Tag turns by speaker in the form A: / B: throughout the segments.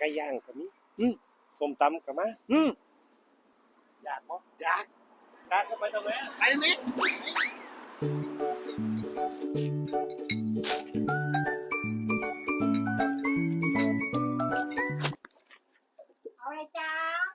A: ก่ย่างก็มีส้มตำก็มาอยากบ่อยากก็ไปตรงนี้ไปตรงนี้
B: เอาอะไรจ้า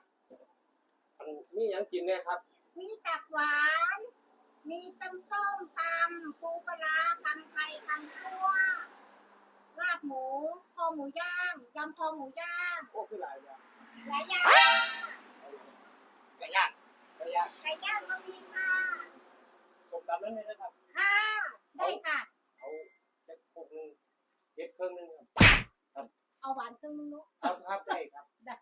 A: นี่ยังกินเนี่ยครับ
B: มีตับหวาน มีต้มส้มตำปูปลาตำไทยตำคั่วลาบหมูคอหมูย่างยำคอหมูย่าง
A: โอ้คือหลายอย่าง
B: หลายอย่าง
A: ไก่ย่าง
B: ก็มีค่ะ
A: ส้มตำนั่นเลยนะครับ
B: ค่ะได้ค่ะ
A: เอาเจ็ดพวกนึงเจ็ดเครื่องนึงครับ
B: เอาหวานครึ่งนึงเนาะ
A: ครับได้ครับ
B: ได้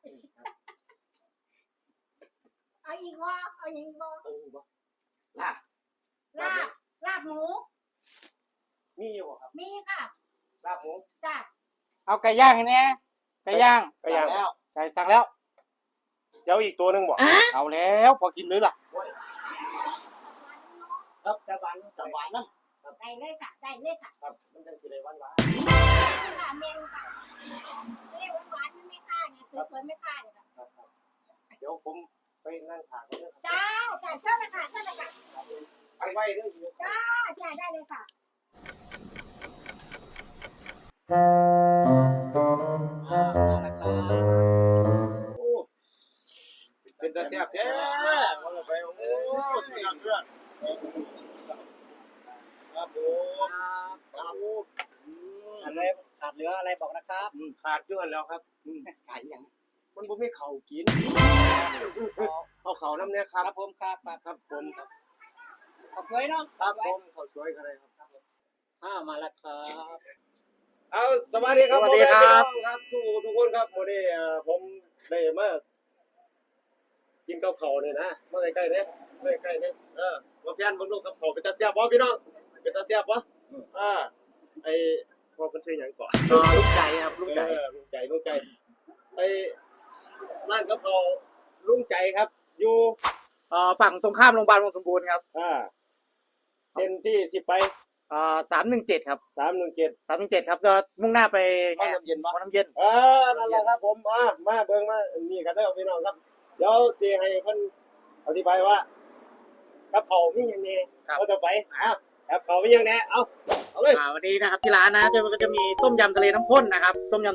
B: เอาอีกวะเอาอีกวะ
A: ล
B: าบหมู
A: มีอยู่บ่ครับ
B: มีค่ะ
A: ลาบหมู
B: จ้ะ
C: เอาไก่ย่างให้แน่ไก่ย่าง
A: แล้ว
C: ไก่สั่งแล้ว
A: เดี๋ยวอีกตัวนึงบ่
C: เอาแล้วพอกินเลยล่ะ
A: ครับจะหวานน้ำ
B: ได้เลยค่ะได้เลยค่ะ
A: ครับมันจะกินอะไรหวาน
B: ค่ะเมนูค่ะเรียกหวานไม่ค่าเนี่ยสวยๆไม่ค่าเนี่ยค่ะ
A: เดี๋ยวผมไปนั่งถามเลย
B: จ้าเชิญเลยค่ะ
A: ไปไว้ด้วย
B: จ้าได้เลยค่ะ
A: โอ้เป็นตาแซ่บแท้ว่าไปโอ้เสียงเพื่อนครับผม
C: อะไรขาดเหลืออะไรบอกนะครับ
A: ขาดเยอะแล้วครับ
C: ขายอย่าง
A: มันบ่มีข้าวกินเอาข้าวน้ำเนี่ยครับ
C: ผมครับ
A: ผม
C: ข้าวสวยเนาะ
A: ครับผมข้าวสวยกันเลยครับ
C: มาแล้วครับ
A: เอาสวัสดีครับครับสู้ทุกคนครับวันนี้ผมได้มากินข้าวเข่าเนี่ยนะมาใกล้ๆเนี่ยมาเพี้ยนบนลูกกับเข่าเป็นตาเสียบบ่พี่น้องเป็นตาเสียบบ่ไอ้พอเป็นชื่ออย่างก่อน
C: ลูกใจครับลูกใจ
A: ไอ้ร้านกับเข่าลุงใจครับอยู่
C: ฝั่งตรงข้ามโรงพยาบาลวังสมบูรณ์ครับ
A: เส้นที่ไป
C: 317ครับ
A: 317
C: ครับจะมุ่งหน้าไป
A: วังน้ำเย็นนั่นแหละครับผมมาเบิ่งมานี่กันเด้อพี่น้องครับเดี๋ยวสิให้เพิ่นอธิบายว่ากับเขามีหยังแน่ก็จะไปกับเขามีหยังแน่เอาเลย
C: วันนี้นะครับที่ร้านนะก็จะมีต้มยำทะเลน้ำข้นนะครับ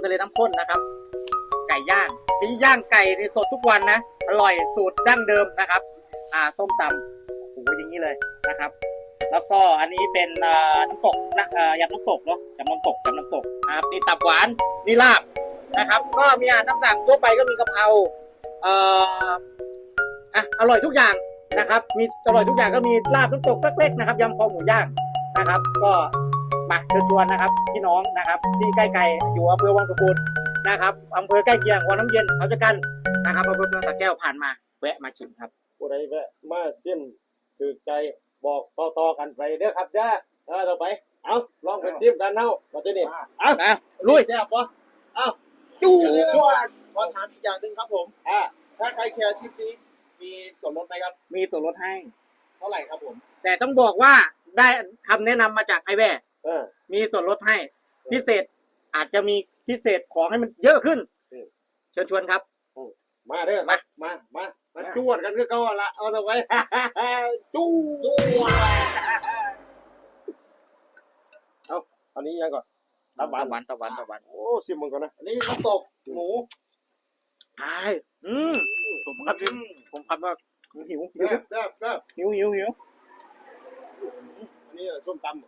C: ไก่ย่างไก่ในสดทุกวันนะอร่อยสูตรดั้งเดิมนะครับส้มตำโอ้โหอย่างนี้เลยนะครับแล้วก็อันนี้เป็นน้ำตกยำน้ำตกเนาะยำน้ำตกนะครับนี่ตับหวานนี่ลาบนะครับก็มีอาหารตามสั่งทั่วไปก็มีกะเพราอร่อยทุกอย่างนะครับมีอร่อยทุกอย่างก็มีลาบน้ำตกสักเล็กนะครับยำคอหมูย่างนะครับก็มาเชิญชวนนะครับพี่น้องนะครับที่ใกล้ๆอยู่อำเภอวังสมบูรณ์นะครับอำเภอใกล้เคียงวังน้ำเย็นเขาจะกันนะครับอำเภอเมืองสระแก้วผ่านมาแวะมาชิมครับ
A: ผู้ใดแวะมาชิมถูกใจบอกต่อกันไปเด้อครับจ้าต่อไปเอาลองไปชิมกันเนาะมาที่นี่
C: ลุย
A: แซ่บปะ
C: จู้
A: ขอถามอีกอย่างนึงครับผมถ้าใครแคร์ชิปนี้มีส่วนลดไหมครับ
C: มีส่วนลดให้
A: เท่าไหร่ครับผม
C: แต่ต้องบอกว่าได้คำแนะนำมาจากไอแว่มีส่วนลดให้พิเศษอาจจะมีพิเศษของให้มันเยอะขึ้นเชิญชวนครับ
A: มาเด้อมาจวดกันก็ละเอาเอาไว้จู้เอาอันนี้ยังก่อน
C: ตะวัน
A: โอ้ชิมมันก่อนนะอันนี้น้ำตกหมู
C: ผมครับว่าหิว
A: แซ่บ
C: หิว
A: อันนี้ส้มตำ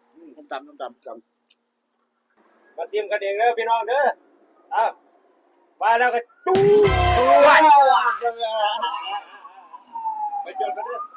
C: มา
A: ชิมกันเองเด้อพี่น้องเด้อมาแล้วก็จู้ไปจนกันเด้อ